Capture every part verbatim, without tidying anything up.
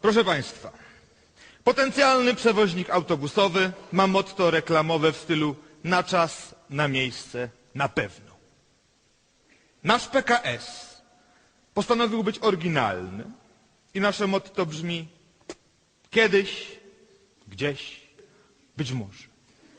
Proszę Państwa, potencjalny przewoźnik autobusowy ma motto reklamowe w stylu na czas, na miejsce, na pewno. Nasz P K S postanowił być oryginalny i nasze motto brzmi kiedyś, gdzieś, być może.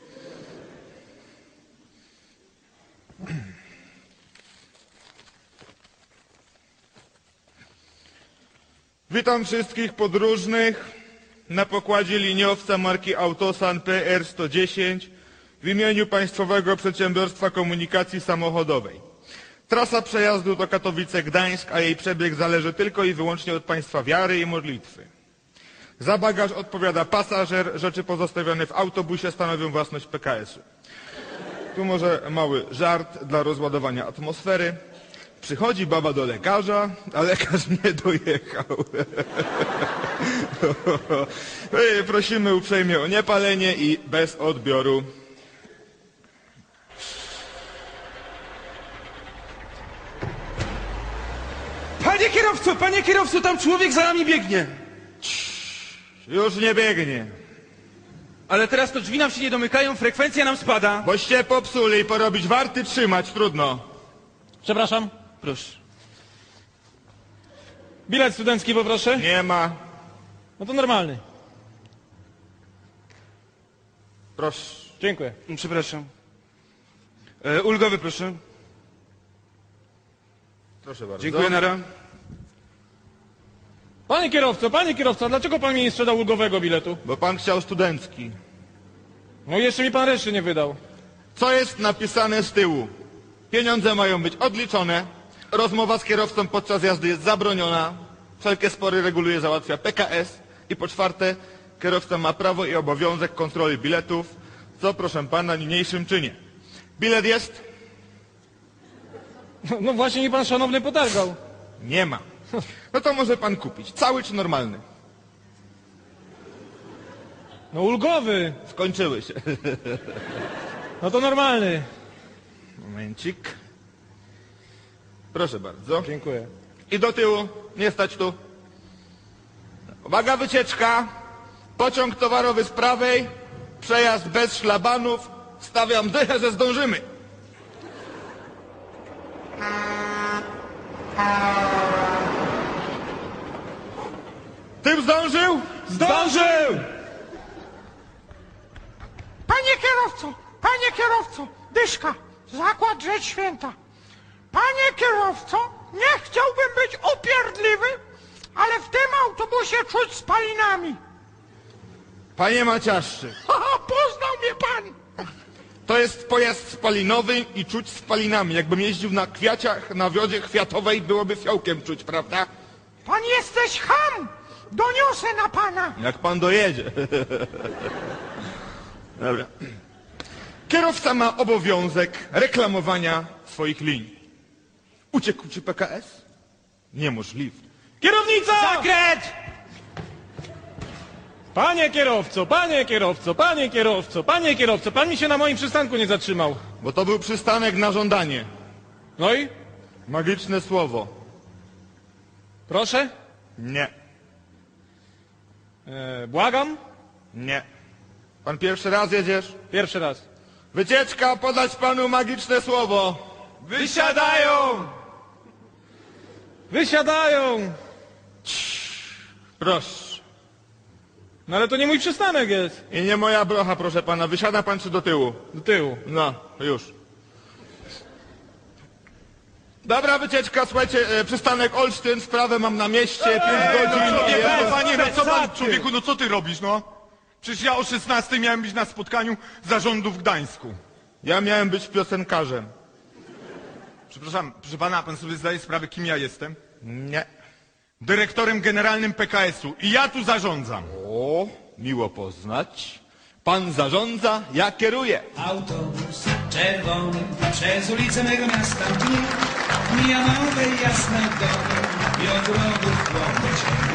Witam wszystkich podróżnych na pokładzie liniowca marki Autosan P R sto dziesięć w imieniu Państwowego Przedsiębiorstwa Komunikacji Samochodowej. Trasa przejazdu to Katowice-Gdańsk, a jej przebieg zależy tylko i wyłącznie od Państwa wiary i modlitwy. Za bagaż odpowiada pasażer, rzeczy pozostawione w autobusie stanowią własność P K S-u. Tu może mały żart dla rozładowania atmosfery. Przychodzi baba do lekarza, a lekarz nie dojechał. Prosimy uprzejmie o niepalenie i bez odbioru. Panie kierowco, panie kierowco, tam człowiek za nami biegnie. Już nie biegnie. Ale teraz to drzwi nam się nie domykają, frekwencja nam spada. Boście popsuli, porobić warty trzymać, trudno. Przepraszam. Proszę. Bilet studencki poproszę. Nie ma. No to normalny. Proszę. Dziękuję. Przepraszam. E, ulgowy proszę. Proszę bardzo. Dziękuję, nara. Panie kierowco, panie kierowco, dlaczego pan mi nie sprzedał ulgowego biletu? Bo pan chciał studencki. No jeszcze mi pan reszty nie wydał. Co jest napisane z tyłu? Pieniądze mają być odliczone, rozmowa z kierowcą podczas jazdy jest zabroniona, wszelkie spory reguluje, załatwia P K S i po czwarte, kierowca ma prawo i obowiązek kontroli biletów, co proszę pana niniejszym czynię. Bilet jest? No, no właśnie mi pan szanowny potargał. Nie ma. No to może pan kupić. Cały czy normalny? No ulgowy. Skończyły się. No to normalny. Momencik. Proszę bardzo. Dziękuję. I do tyłu. Nie stać tu. Uwaga, wycieczka. Pociąg towarowy z prawej. Przejazd bez szlabanów. Stawiam dychę, że zdążymy. Tym zdążył? Zdążył! Panie kierowco, panie kierowco, dyszka, zakład rzecz święta. Panie kierowco, nie chciałbym być upierdliwy, ale w tym autobusie czuć spalinami. Panie Maciaszczyk, Haha, poznał mnie pan. to jest pojazd spalinowy i czuć spalinami. Jakbym jeździł na kwiaciach, na wiodzie kwiatowej, byłoby fiołkiem czuć, prawda? Pan jesteś cham. Doniosę na pana. Jak pan dojedzie. Dobra. Kierowca ma obowiązek reklamowania swoich linii. Uciekł ci P K S? Niemożliwe. Kierownica! Zakręt! Panie kierowco, panie kierowco, panie kierowco, panie kierowco, pan mi się na moim przystanku nie zatrzymał. Bo to był przystanek na żądanie. No i? Magiczne słowo. Proszę? Nie. E, błagam? Nie. Pan pierwszy raz jedziesz? Pierwszy raz. Wycieczka, podać panu magiczne słowo. Wysiadają! Wysiadają! Proszę. No ale to nie mój przystanek jest. I nie moja brocha, proszę pana. Wysiada pan czy do tyłu? Do tyłu. No, już. Dobra wycieczka, słuchajcie, e, przystanek Olsztyn, sprawę mam na mieście, pięć godzin. No, i nie, ja- panie, panie, no co pan, Pesaty. człowieku, no co ty robisz, no? Przecież ja o szesnastej miałem być na spotkaniu zarządu w Gdańsku. Ja miałem być piosenkarzem. Przepraszam, proszę pana, pan sobie zdaje sprawę, kim ja jestem? Nie. Dyrektorem generalnym P K S-u i ja tu zarządzam. O, miło poznać. Pan zarządza, ja kieruję. Autobus czerwony przez ulicę mego miasta mija, mija nowe jasne domy i ogrodów chłopy.